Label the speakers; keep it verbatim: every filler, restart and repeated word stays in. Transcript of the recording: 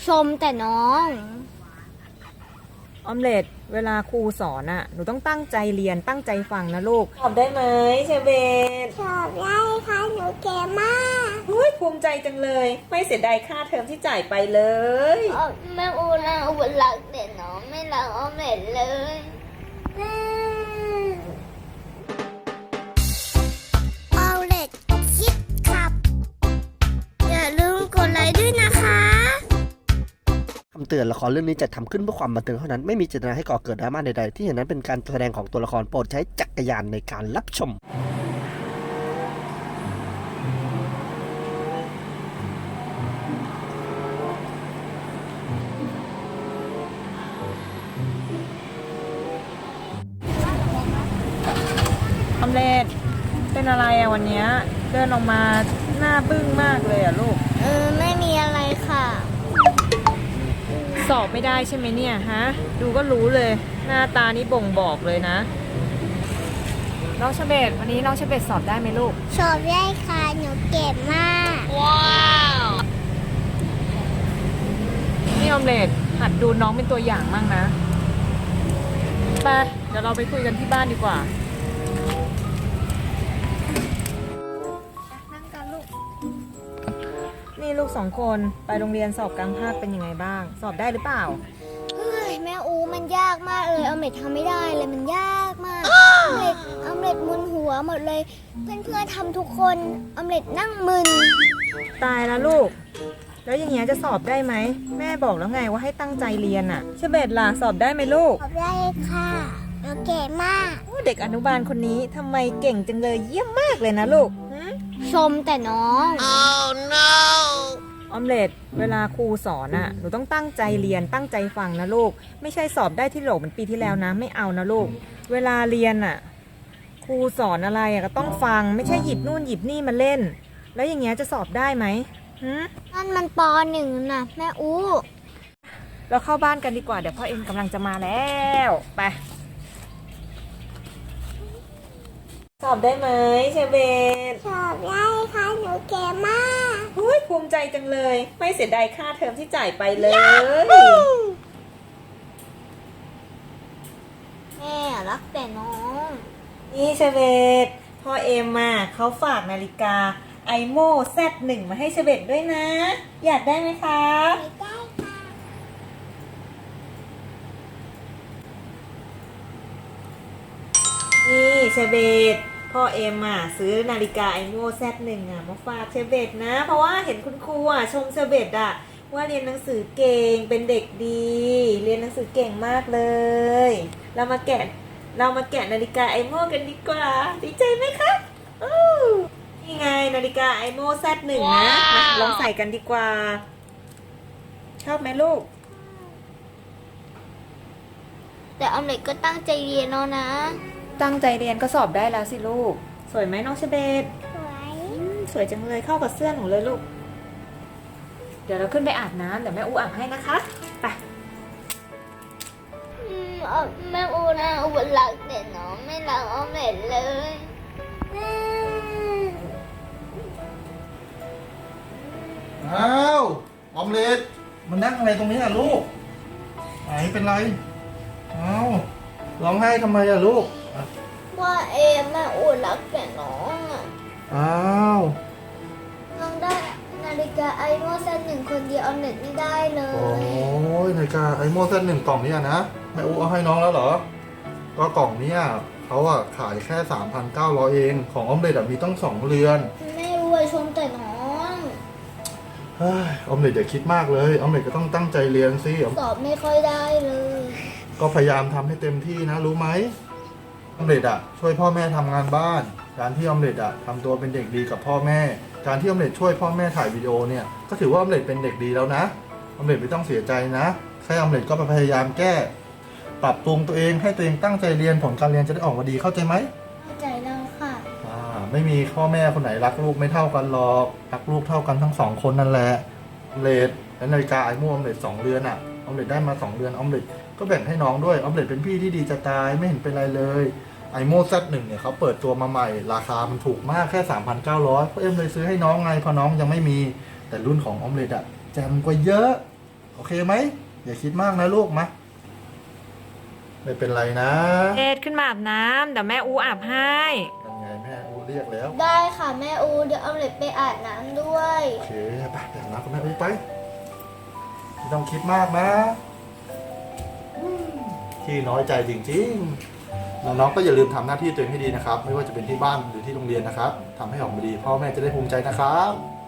Speaker 1: มแต่น้อง
Speaker 2: ออมเล็ตเวลาครูสอนอ่ะหนูต้องตั้งใจเรียนตั้งใจฟังนะลูกสอบได้ไหมเชเบต
Speaker 1: สอบได้ค่ะหนูเก่งมาก
Speaker 2: เฮ้ยภูมิใจจังเลยไม่เสียดายค่าเทอมที่จ่ายไปเลย
Speaker 1: แม่อูนะอูรักแต่น้องไม่รักออมเล็ตเลยออมเล็ตคิดครับอย่าลืมกดไลค์ด้วยนะคะ
Speaker 3: คำเตือนละครเรื่องนี้จัดทำขึ้นเพื่อความบันเทิงเท่านั้นไม่มีเจตนาให้ก่อเกิดดราม่าใดๆที่เห็นนั้นเป็นการแสดงของตัวละครโปรดใช้จักรยานในการรับชม
Speaker 2: ออมเล็ตเป็นอะไรอะวันนี้เดินออกมาหน้าบึ้งมากเลยอะลูก
Speaker 1: เออไม่มีอะไรค่ะ
Speaker 2: สอบไม่ได้ใช่ไหมเนี่ยฮะดูก็รู้เลยหน้าตานี้บ่งบอกเลยนะน้องเชเบตวันนี้น้องเชเบตสอบได้ไหมลูก
Speaker 1: สอบได้ค่ะหนูเก่งมากว้าว
Speaker 2: นี่ออมเล็ตหัดดูน้องเป็นตัวอย่างมั่งนะไปเดี๋ยวเราไปคุยกันที่บ้านดีกว่านั่งกันลูกนี่ลูกสองคนไปโรงเรียนสอบกลางภาคเป็นยังไงบ้างสอบได้หรือเปล่า
Speaker 1: เฮ้ยแม่อูมันยากมากเลยออมเล็ตทำไม่ได้เลยมันยากมากออมเล็ตออมเล็ตมึนหัวหมดเลยเพื่อนๆทำทุกคนออมเล็ตนั่งมึน
Speaker 2: ตายแล้วลูกแล้วอย่างเงี้ยจะสอบได้ไหมแม่บอกแล้วไงว่าให้ตั้งใจเรียนอ่ะเชเบตล่ะสอบได้ไหมลูก
Speaker 1: สอบได้ค่ะหนูเก่งมาก
Speaker 2: เด็กอนุบาลคนนี้ทำไมเก่งจังเลยเยี่ยมมากเลยนะลูก
Speaker 1: ชมแต่น้อง
Speaker 2: oh no ออมเล็ตเวลาครูสอนอ่ะหนูต้องตั้งใจเรียนตั้งใจฟังนะลูกไม่ใช่สอบได้ที่โหลเหมือนปีที่แล้วนะไม่เอานะลูกเวลาเรียนอ่ะครูสอนอะไรอ่ะก็ต้องฟังไม่ใช่หยิบนู่นหยิบนี่มาเล่นแล้วอย่างเงี้ยจะสอบได้ไหม
Speaker 1: นั่นมันปหนึ่งนะแม่อู
Speaker 2: เราเข้าบ้านกันดีกว่าเดี๋ยวพ่อเอ็มกำลังจะมาแล้วไปสอบได้ไหมเชเบต
Speaker 1: สอบได้ค่ะหนูเก่งมาก
Speaker 2: เฮ้ยภูมิใจจังเลยไม่เสียดายค่าเทอมที่จ่ายไปเลย
Speaker 1: แม่รักแต่น้อง
Speaker 2: นี่เชเบตพ่อเอ็มมาเขาฝากนาฬิกาไอโม่แซดหนึ่งมาให้เชเบตด้วยนะอยากได้ไหมคะ
Speaker 1: ได้ค่ะ
Speaker 2: นี่เชเบตพ่อเอ็มอ่ะซื้อนาฬิกาไอโม่แซดหนึ่งอ่ะมาฝากเชเบตนะเพราะว่าเห็นคุณครูอ่ะชมเชเบตอ่ะว่าเรียนหนังสือเก่งเป็นเด็กดีเรียนหนังสือเก่งมากเลยเรามาแกะเรามาแกะนาฬิกาไอโม่กันดีกว่าดีใจไหมคะนี่ไงนาฬิกาไอโม่แซดหนึ่งนะมาลองใส่กันดีกว่าชอบไหมลูก
Speaker 1: แต่ออมเล็ตก็ตั้งใจเรียนเนาะนะ
Speaker 2: ตั้งใจเรียนก็สอบได้แล้วสิลูกสวยไหมน้องเชเบต
Speaker 1: สวย
Speaker 2: สวยจังเลยเข้ากับเสื้อหนูเลยลูกเดี๋ยวเราขึ้นไปอาบน้ำเดี๋ยวแม่อูอาบให้นะคะไป
Speaker 1: แม่อูนะอูรักแต่น้องไม่รักออมเล็ตเลย
Speaker 4: อ้าวออมเล็ตมันนั่งอะไรตรงนี้อ่ะลูกไหนเป็นไรอ้าวร้องไห้ทำไมอ่ะลูก
Speaker 1: ว่าเอมแม่อูรักแต่น้องอ่ะ
Speaker 4: อ้าว
Speaker 1: น้องได้นาฬิกาไอโม่แซดหนึ่งคนเดียวออมเล็ตไม่ได้เลย
Speaker 4: โอ้ยนาฬิกาไอโม่แซดหนึ่งกล่องนี้นะแม่อูเอาให้น้องแล้วเหรอก็กล่องนี้เขาอ่ะขายแค่ สามพันเก้าร้อย เองของออมเล็ตมีต้องสองเรือน
Speaker 1: ไม่รู้ชมแต่น้อง
Speaker 4: ออมเล็ตอย่าคิดมากเลยออมเล็ตก็ต้องตั้งใจเรียนสิ
Speaker 1: สอบไม่ค่อยได้เลย
Speaker 4: ก็พยายามทำให้เต็มที่นะรู้ไหมออมเล็ตอ่ะช่วยพ่อแม่ทำงานบ้านการที่ออมเล็ตอ่ะทำตัวเป็นเด็กดีกับพ่อแม่การที่ออมเล็ตช่วยพ่อแม่ถ่ายวิดีโอเนี่ยก็ถือว่าออมเล็ตเป็นเด็กดีแล้วนะออมเล็ตไม่ต้องเสียใจนะแค่ออมเล็ตก็พยายามแก้ปรับปรุงตัวเองให้ตัวเองตั้งใจเรียนผลการเรียนจะได้ออกมาดีเข้าใจไหม
Speaker 1: เข้าใจแล้วค่ะ
Speaker 4: อ่าไม่มีพ่อแม่คนไหนรักลูกไม่เท่ากันหรอกรักลูกเท่ากันทั้งสองคนนั่นแหละออมเล็ตและนาฬิกาไอโม่ออมเล็ตสองเรือนอ่ะออมเล็ตได้มาสองเรือนออมเล็ตก็แบ่งให้น้องด้วยออมเล็ตเป็นพี่ที่ดีจะตายไม่เห็นเป็นไรเลยไอโม่แซดหนึ่งเนี่ยเขาเปิดตัวมาใหม่ราคามันถูกมากแค่ สามพันเก้าร้อย พ่อเอ็มเลยซื้อให้น้องไงเพราะน้องยังไม่มีแต่รุ่นของออมเล็ตอะแจมกว่าเยอะขโอเคไหมอย่าคิดมากนะลูกมาไม่เป็นไรนะ
Speaker 2: เอ็ดขึ้นมาอาบน้ำเดี๋ยวแม่อูอาบให้
Speaker 4: ยังไงแม่อูเรียกแล้ว
Speaker 1: ได้ค่ะแม่อูเดี๋ยวออมเล็ตไปอาบน้ำด้วย
Speaker 4: โอเคไปไปอาบน้ำกับแม่อูไปไม่ต้องคิดมากนะที่น้อยใจจริงๆน้องๆก็อย่าลืมทำหน้าที่ตัวเองให้ดีนะครับ ไม่ว่าจะเป็นที่บ้านหรือที่โรงเรียนนะครับทำให้ออกมาดีพ่อแม่จะได้ภูมิใจนะครับ